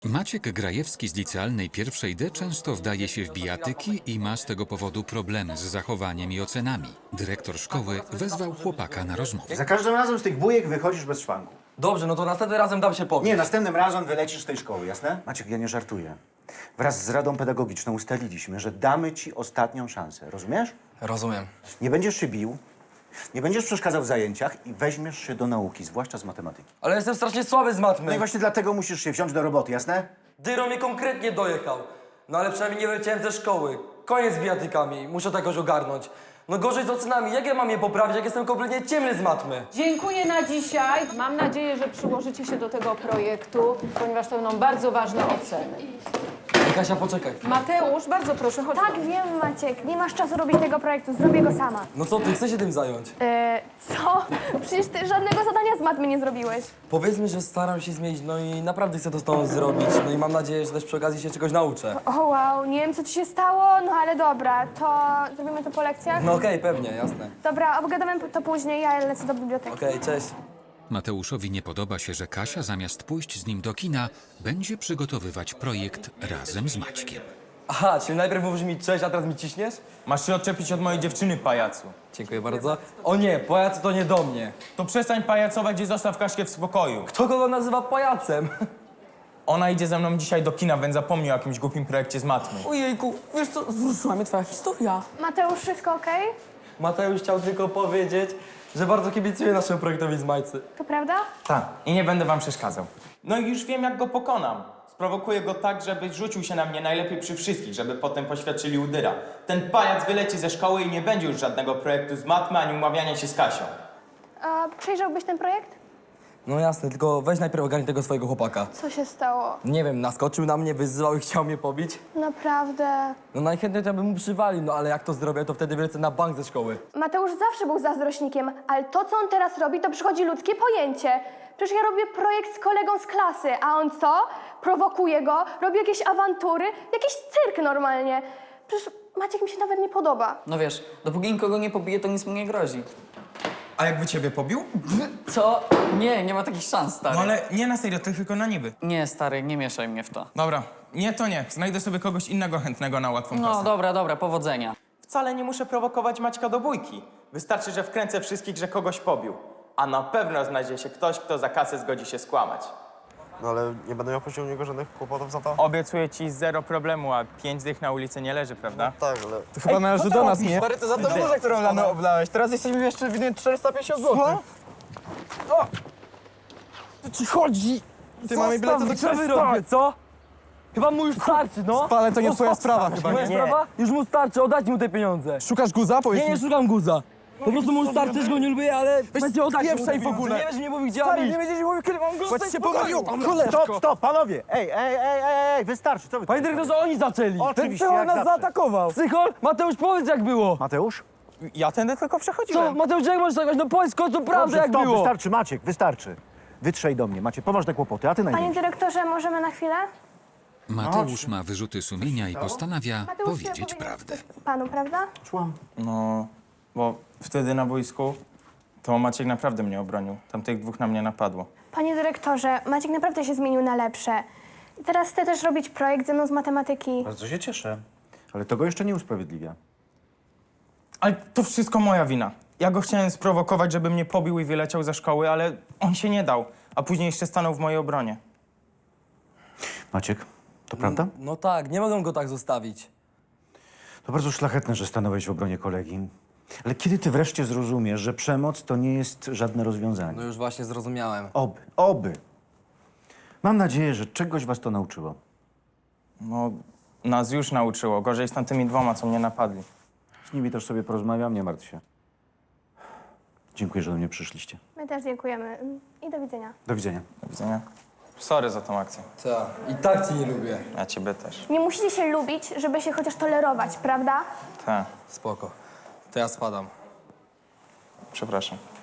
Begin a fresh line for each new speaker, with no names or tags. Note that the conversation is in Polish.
Maciek Grajewski z licealnej pierwszej D często wdaje się w bijatyki i ma z tego powodu problemy z zachowaniem i ocenami. Dyrektor szkoły wezwał chłopaka na rozmowę.
Za każdym razem z tych bujek wychodzisz bez szwanku.
Dobrze, no to następnym razem dam się pobić.
Nie, następnym razem wylecisz z tej szkoły, jasne? Maciek, ja nie żartuję. Wraz z Radą Pedagogiczną ustaliliśmy, że damy ci ostatnią szansę, rozumiesz?
Rozumiem.
Nie będziesz się bił, nie będziesz przeszkadzał w zajęciach i weźmiesz się do nauki, zwłaszcza z matematyki.
Ale jestem strasznie słaby z
No i
matmy.
właśnie dlatego musisz się wziąć do roboty, jasne?
Dyro mnie konkretnie dojechał. No ale przynajmniej nie wyleciałem ze szkoły. Koniec z bijatykami, muszę to jakoś ogarnąć. No gorzej z ocenami, jak ja mam je poprawić, jak jestem kompletnie ciemny z matmy?
Dziękuję na dzisiaj. Mam nadzieję, że przyłożycie się do tego projektu, ponieważ to będą bardzo ważne oceny.
Ej, Kasia, poczekaj.
Mateusz, bardzo proszę, chodź.
Tak, wiem, Maciek. Nie masz czasu robić tego projektu, zrobię go sama.
No co ty, chcę się tym zająć?
Co? Przecież ty żadnego zadania z matmy nie zrobiłeś.
Powiedzmy, że staram się zmienić, no i naprawdę chcę to z tobą zrobić. No i mam nadzieję, że też przy okazji się czegoś nauczę.
O wow, nie wiem co ci się stało, no ale dobra, to zrobimy to po lekcjach?
No okej, pewnie, jasne.
Dobra, obgadamy to później, ja lecę do biblioteki.
Okej, cześć.
Mateuszowi nie podoba się, że Kasia zamiast pójść z nim do kina, będzie przygotowywać projekt razem z Maćkiem.
Aha, czyli najpierw mówisz mi cześć, a teraz mi ciśniesz?
Masz się odczepić od mojej dziewczyny, pajacu.
Dziękuję bardzo. O nie, pajac to nie do mnie.
To przestań pajacować i zostaw Kaśkę w spokoju.
Kto go nazywa pajacem?
Ona idzie ze mną dzisiaj do kina, więc zapomnij o jakimś głupim projekcie z matmy.
Ojejku, wiesz co, wzruszyła mnie twoja historia.
Mateusz, wszystko okej?
Mateusz chciał tylko powiedzieć, że bardzo kibicuje naszemu projektowi z Majcy.
To prawda?
Tak, i nie będę wam przeszkadzał. No i już wiem, jak go pokonam. Sprowokuję go tak, żeby rzucił się na mnie najlepiej przy wszystkich, żeby potem poświadczyli udyra. Ten pajac wyleci ze szkoły i nie będzie już żadnego projektu z matmy, ani umawiania się z Kasią.
A przejrzałbyś ten projekt?
No jasne, tylko weź najpierw ogarnij tego swojego chłopaka.
Co się stało?
Nie wiem, naskoczył na mnie, wyzywał i chciał mnie pobić.
Naprawdę.
No najchętniej to ja bym mu przywalił, no ale jak to zrobię, to wtedy wylecę na bank ze szkoły.
Mateusz zawsze był zazdrośnikiem, ale to, co on teraz robi, to przychodzi ludzkie pojęcie. Przecież ja robię projekt z kolegą z klasy, a on co? Prowokuje go, robi jakieś awantury, jakiś cyrk normalnie. Przecież Maciek mi się nawet nie podoba.
No wiesz, dopóki nikogo nie pobije, to nic mu nie grozi.
A jakby ciebie pobił?
Co? Nie, nie ma takich szans, stary.
No ale nie na serio, to tylko na niby.
Nie, stary, nie mieszaj mnie w to.
Dobra, nie to nie. Znajdę sobie kogoś innego chętnego na łatwą
No
kasę.
dobra, powodzenia.
Wcale nie muszę prowokować Maćka do bójki. Wystarczy, że wkręcę wszystkich, że kogoś pobił. A na pewno znajdzie się ktoś, kto za kasę zgodzi się skłamać.
No ale nie będę miał później u niego żadnych kłopotów za to?
Obiecuję ci zero problemu, a 5 dych na ulicy nie leży, prawda?
Tak, ale...
To chyba należy do nas, nie?
Stary, to za tą burzę, którą rano oblałeś. Teraz jesteśmy jeszcze winni 450 zł. Co? O! Co ci chodzi? Ty mamy bilety do
Co wy robicie, co? Chyba mu już starczy, no.
Ale to nie twoja sprawa chyba,
Moja
nie?
sprawa? Już mu starczy, oddajcie mu te pieniądze.
Szukasz guza? Powiedz
Nie,
mi.
nie szukam guza. Po prostu mu starczy, że go nie lubię, ale będzie oddać mu te
spieprzaj w
pieniądze.
ogóle.
Nie wiesz, nie mówił, gdzie
Stary,
mam iść.
nie będziesz mówił, kiedy mam go
Chodź się
pokoju.
Stop, stop, panowie! Ej, wystarczy, co wy
Panie dyrektorze, oni zaczęli.
Ten
Oczywiście,
psychol
jak
nas
zawsze.
zaatakował.
Psychol? Mateusz, powiedz jak było.
Mateusz?
Ja tędy tylko przechodziłem.
Co? Mateusz, jak możesz tak? No powiedz w końcu prawdę,
Dobrze,
jak
stop,
było.
wystarczy, Maciek, wystarczy. Wytrzej do mnie, macie poważne kłopoty, a ty
Panie
najmniej.
dyrektorze, możemy na chwilę?
Mateusz ma wyrzuty sumienia i postanawia powiedzieć prawdę.
Panu, prawda?
Szłam.
No, bo wtedy na boisku to Maciek naprawdę mnie obronił. Tam tych dwóch na mnie napadło.
Panie dyrektorze, Maciek naprawdę się zmienił na lepsze. I teraz chce też robić projekt ze mną z matematyki.
Bardzo się cieszę. Ale to go jeszcze nie usprawiedliwia.
Ale to wszystko moja wina. Ja go chciałem sprowokować, żeby mnie pobił i wyleciał ze szkoły, ale on się nie dał. A później jeszcze stanął w mojej obronie.
Maciek, to prawda?
No tak, nie mogę go tak zostawić.
To bardzo szlachetne, że stanąłeś w obronie kolegi. Ale kiedy ty wreszcie zrozumiesz, że przemoc to nie jest żadne rozwiązanie?
No już właśnie zrozumiałem.
Oby. Mam nadzieję, że czegoś was to nauczyło.
No, nas już nauczyło. Gorzej z tamtymi dwoma, co mnie napadli.
Z nimi też sobie porozmawiam, nie martw się. Dziękuję, że do mnie przyszliście.
My też dziękujemy. I do widzenia.
Do widzenia.
Do widzenia. Sorry za tą akcję.
Tak, i tak cię nie lubię.
Ja ciebie też.
Nie musicie się lubić, żeby się chociaż tolerować, prawda?
Tak,
Spoko. To ja spadam.
przepraszam.